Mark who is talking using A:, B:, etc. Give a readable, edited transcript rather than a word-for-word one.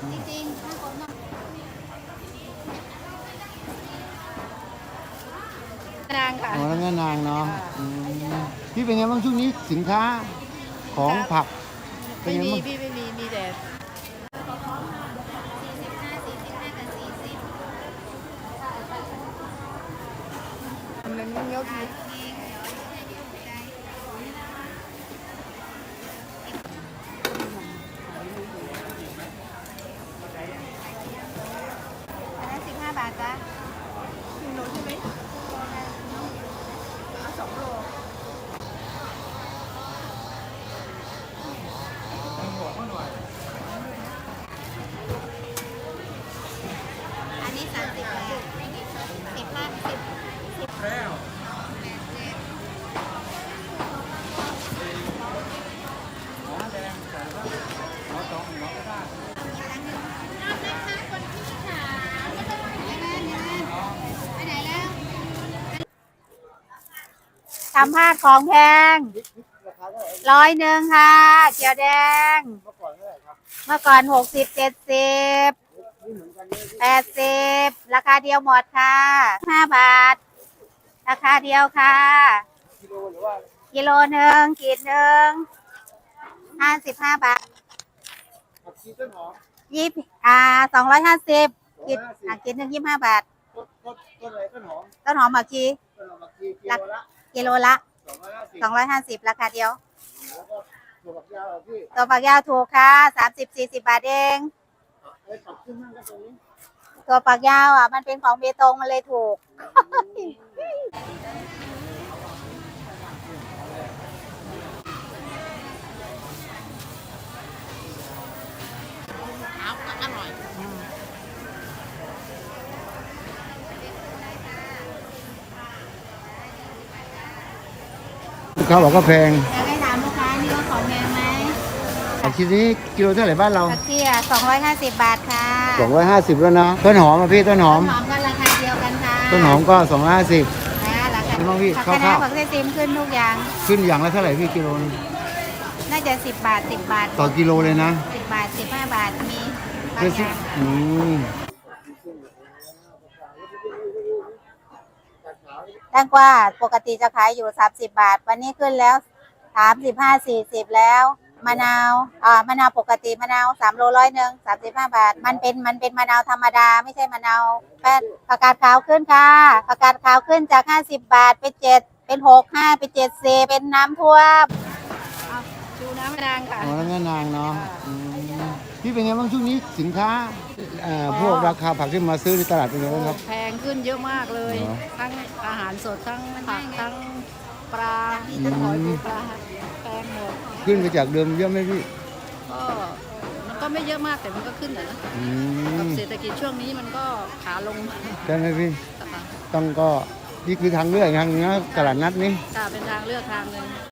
A: จริงๆถ้าคนมากนางค่ะ
B: อ๋อแล้วแม่นางเนาะพี่เป็นไงบ้างช่วงนี้สินค้าของผักเป็นไง
A: ไม่มี
B: บ้าง
A: พี่ไม่มีมีแต่มันยกอันนั้น15 บาทจ้ะ1 โลใช่ไหมเอา2 โลอันนี้30 บาท15 10แล้วทำผ้าของแพง100ค่ะเขียวแดงเมื่อก่อน60 7080ราคาเดียวหมดค่ะ5 บาทราคาเดียวค่ะกิโล1 ขีด1 55 บาท250ขีดขีด1 25 บาท
B: ต้นอะไรต้นหอม
A: ต้นหอมผักชี
B: ต้นหอมผักชีกิโลละ
A: ละ
B: 250
A: ราคาเดียว
B: แล้วก็ถั่วฝักยาวพี่
A: ตัวฝักยาวถูกค่ะ30 40 บาทเอง
B: ไอ้ปักขึ้นมั่งก็ตรงนี้
A: ตัวฝักยาวมันเป็นของเบตงมันเลยถูกอร่อย
B: ลูกค้าบอกก็แพง
A: อยากให้ถามลูกค้านี่ว่าของแพงไหม
B: ผักชีนี้กิโลเท่าไหร่บ้านเรา
A: ผักชี250 บาทค่ะ
B: 250แล้วนะต้นหอมอ่ะพี่ต้นหอม
A: ต้นหอมก็ราคาเดียวกันค่ะ
B: ต้นหอมก็250
A: นะราคา
B: น้องพี่
A: ผัก
B: คร่าวๆ
A: คะน้าผักเส้นติมขึ้นทุกอย่าง
B: ขึ้นอย่างละเท่าไหร่พี่กิโลนึง
A: น่าจะ10 บาท10 บาท
B: ต่อกิโลเลยนะ
A: 10 บาท15 บาทมีบาง
B: เพื่อ
A: อย่างแตงกวาปกติจะขายอยู่30 บาทวันนี้ขึ้นแล้ว35 40แล้วมะนาวมะนาวปกติมะนาว3 โล100 35 บาทมันเป็นมะนาวธรรมดาไม่ใช่มะนาวแป้นผักกาดขาวขึ้นค่ะผักกาดขาวขึ้นจาก50 บาทเป็น7เป็น6 5เป็น7 4เป็นน้ำท่วมดูน้ำนางค่ะ
B: อ๋อแล้วแม่นางเนาะพี่เป็นไงบ้างช่วงนี้สินค้าพวกราคาผักที่มาซื้อในตลาดเป็นไงบ้างครับ
A: แพงขึ้นเยอะมากเลยทั้งอาหารสดทั้งผักทั้งปลาทั้งหอยปูปลาแพงหมด
B: ขึ้นไปจากเดิมเยอะไหมพี่
A: ก็มันก็ไม่เยอะมากแต่มันก็ขึ้นนะกับเศรษฐกิจช่วงนี้มันก็ขาลง
B: ใช่ไหมพี่ต้องก็นี่คือทางเลือกทางนึงนะตลาดนัดนี้
A: เป็นทางเลือกทางหนึ่ง